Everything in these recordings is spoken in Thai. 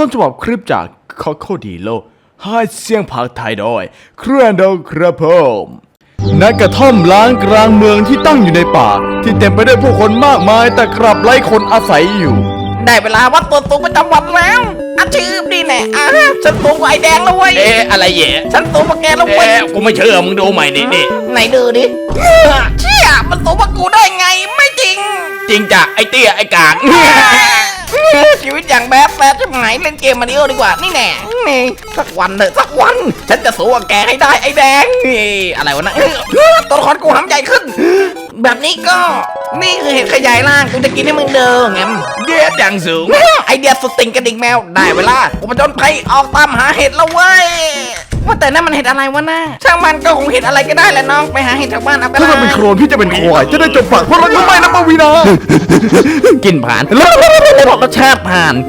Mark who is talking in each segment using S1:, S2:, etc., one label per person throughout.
S1: ต้นฉบับคลิปจากคอโคดีโลให้เสียงภาคไทยโดยเครียนโดครับผมณกระท่อมล้างกลางเมืองที่ตั้งอยู่ในป่าที่เต็มไปด้วยผู้คนมากมายแต่กลับไร้คนอาศัยอยู่
S2: ได้เวลาวัดตัวสูงประจำวันแล้วอาชีพดีแน่ฉันสูงกว่าไอ้แดงแล้วเว้ย
S3: อะไรแย่
S2: ฉันสูงกว่าแกแล้วเว้ย
S3: กูไม่เชื่อมึงดูใหม่นี่
S2: ไหนดูดิเชี่ยมันสูงกว่ากูได้ไงไม่จริง
S3: จริงจ้ะไอ้เตี้ยไอ้กาก
S2: ชีวิตอย่างแบดจะหายเล่นเกมมาริโอดีกว่านี่แน่นี่สักวันเถอะสักวันฉันจะสู้กับแกให้ได้ไอ้แดงอะไรวะนะตัวละครกูหำใหญ่ขึ้นแบบนี้ก็นี่คือเห็ดขยายร่างกูจะกินให้มึงเด้อแงม
S3: เดียดอย่างสูง
S2: ไอเดียสุดติ่งกระดิ่งแมวได้เวลากูผจญภัยออกตามหาเห็ดแล้วเว้ยว่าแต่นั่นมันเห็ดอะไรวะน่าช่างมันก็คงเห็ดอะไรก็ได้แหละน้องไปหาเห็ดแถวบ้านเอาไป
S1: ถ้าเราเป็นโคลนพี่จะเป็นควายจะได้จบปากเพราะเราไม่นะปวีนา
S2: กินผ่านรสชาติผ่าน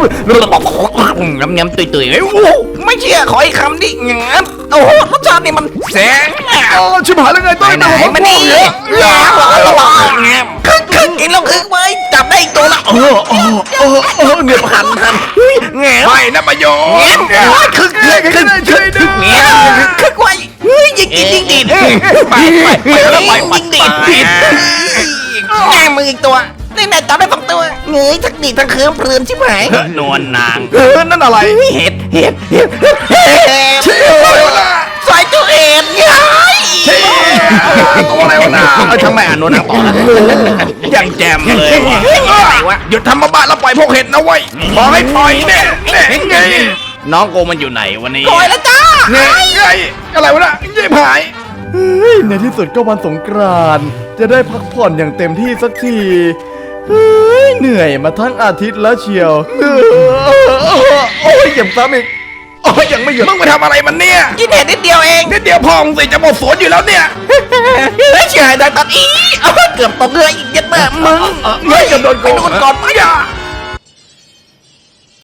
S2: งำตุยไม่เชื่อขออีกคำดิงั้นโอ้โหรสชาตินี่มันแสง
S1: ชิบหายแล้วไงต้น
S2: ไหนมันนี่คึกกินแล้วคึกเว้ยจับได้อีกตัวละ
S1: เนี่ยผ่าน
S2: แง่
S3: ไม่นะประโยชน์
S2: คึกไว้ยิงกินยิงดีด
S3: ไป
S2: ยิงดีดแง่มืออีกตัวนี่นายจับได้2ตัวเงยทั้งดีทั้งเคิร์มเพลินชิบหาย
S3: นวลนาง
S1: นั่นอะไร
S2: เห็ดใส่ตัวเอ็ดยัย
S3: ตัวอะไรวะน่ะ
S2: ทำไมอ่านโน้นต่อนะ
S3: ยังแจมเลยอะไรวะหยุดทำบ้าแล้วปล่อยพวกเห็ดนะเว้ยบอกให้ปล่อยเนี่ยไงน้องโกมันอยู่ไหนวันนี้
S2: ปล่อยแล้วจ้า
S3: ไงอะไรวะน่ะยิ่งหาย
S1: ในที่สุดก็วันสงกรานต์จะได้พักผ่อนอย่างเต็มที่สักทีเหนื่อยมาทั้งอาทิตย์แล้วเชียวโอ้ยเก็บซ้ำอีกโอ้ยยังไม่หยุด
S3: มึงไปทำอะไรมันเนี่ย
S2: กินเห็ดนิดเดียวเอง
S3: นิดเดียวพองสิจะหมดสวนอยู่แล้วเนี่ย
S2: เฉยได้ตัดอีเกือบตกเลยอีกเย็ดแม่มึง
S1: เฮ้ยจะโดนโกง
S2: ก่อนไปอ่ะ